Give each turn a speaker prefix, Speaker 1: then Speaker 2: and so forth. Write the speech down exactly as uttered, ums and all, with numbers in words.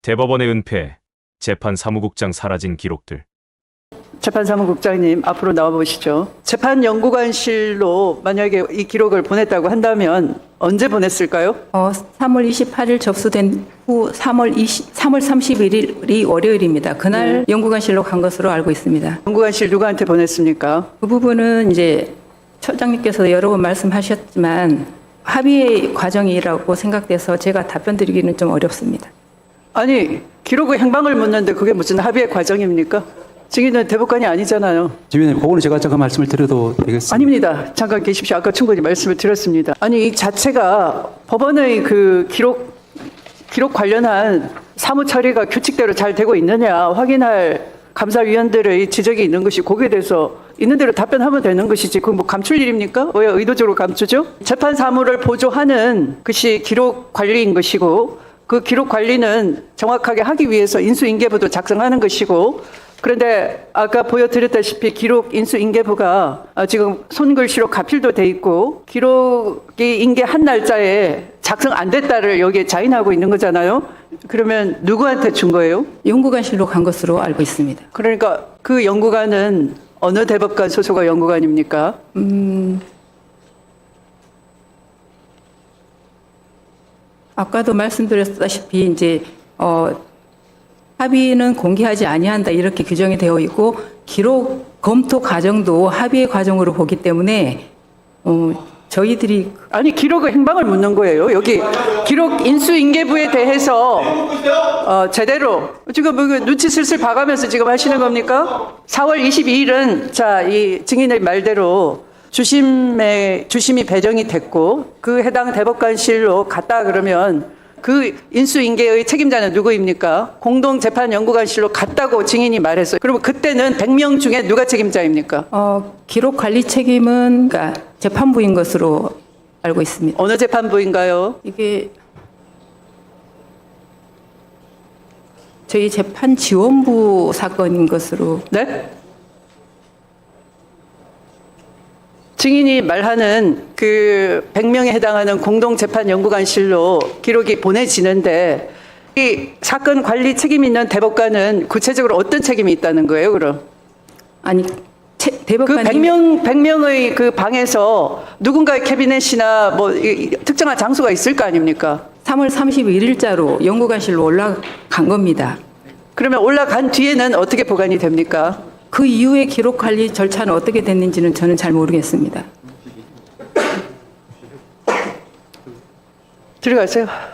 Speaker 1: 대법원의 은폐, 재판사무국장 사라진 기록들.
Speaker 2: 재판사무국장님 앞으로 나와보시죠. 재판연구관실로 만약에 이 기록을 보냈다고 한다면 언제 보냈을까요?
Speaker 3: 어, 삼월 이십팔일 접수된 후 삼월 이십, 삼월 삼십일일이 월요일입니다. 그날
Speaker 2: 네.
Speaker 3: 연구관실로 간 것으로 알고 있습니다.
Speaker 2: 연구관실 누구한테 보냈습니까?
Speaker 3: 그 부분은 이제 처장님께서 여러 번 말씀하셨지만 합의의 과정이라고 생각돼서 제가 답변 드리기는 좀 어렵습니다.
Speaker 2: 아니, 기록의 행방을 묻는데 그게 무슨 합의의 과정입니까? 증인은 대법관이 아니잖아요.
Speaker 4: 지휘님, 그거는 제가 잠깐 말씀을 드려도 되겠습니까?
Speaker 2: 아닙니다. 잠깐 계십시오. 아까 충분히 말씀을 드렸습니다. 아니, 이 자체가 법원의 그 기록, 기록 관련한 사무 처리가 규칙대로 잘 되고 있느냐 확인할 감사위원들의 지적이 있는 것이 거기에 대해서 있는 대로 답변하면 되는 것이지 그건 뭐 감출 일입니까? 왜 의도적으로 감추죠? 재판 사무를 보조하는 것이 기록 관리인 것이고 그 기록 관리는 정확하게 하기 위해서 인수인계부도 작성하는 것이고 그런데 아까 보여드렸다시피 기록 인수인계부가 지금 손글씨로 가필도 돼 있고 기록이 인계한 날짜에 작성 안 됐다를 여기에 자인하고 있는 거잖아요. 그러면 누구한테 준 거예요?
Speaker 3: 연구관실로 간 것으로 알고 있습니다.
Speaker 2: 그러니까 그 연구관은 어느 대법관 소속의 연구관입니까?
Speaker 3: 음, 아까도 말씀드렸다시피 이제 어, 합의는 공개하지 아니한다 이렇게 규정이 되어 있고 기록 검토 과정도 합의의 과정으로 보기 때문에 어, 저희들이
Speaker 2: 아니 기록의 행방을 묻는 거예요. 여기 기록 인수인계부에 대해서 어, 제대로 지금 뭐 눈치 슬슬 봐가면서 지금 하시는 겁니까? 사월 이십이일은 자, 이 증인의 말대로 주심에 주심이 배정이 됐고 그 해당 대법관실로 갔다 그러면 그 인수인계의 책임자는 누구입니까? 공동재판연구관실로 갔다고 증인이 말했어요. 그러면 그때는 백 명 중에 누가 책임자입니까?
Speaker 3: 어, 기록 관리 책임은 그러니까 재판부인 것으로 알고 있습니다.
Speaker 2: 어느 재판부인가요?
Speaker 3: 이게 저희 재판 지원부 사건인 것으로.
Speaker 2: 네? 증인이 말하는 그 백 명에 해당하는 공동재판연구관실로 기록이 보내지는데 이 사건 관리 책임 있는 대법관은 구체적으로 어떤 책임이 있다는 거예요, 그럼?
Speaker 3: 아니 채,
Speaker 2: 그
Speaker 3: 대법관님
Speaker 2: 백 명, 백 명의 그 방에서 누군가의 캐비넷이나 뭐 이, 특정한 장소가 있을 거 아닙니까?
Speaker 3: 삼월 삼십일일자로 연구관실로 올라간 겁니다.
Speaker 2: 그러면 올라간 뒤에는 어떻게 보관이 됩니까?
Speaker 3: 그 이후에 기록 관리 절차는 어떻게 됐는지는 저는 잘 모르겠습니다.
Speaker 2: 들어가세요.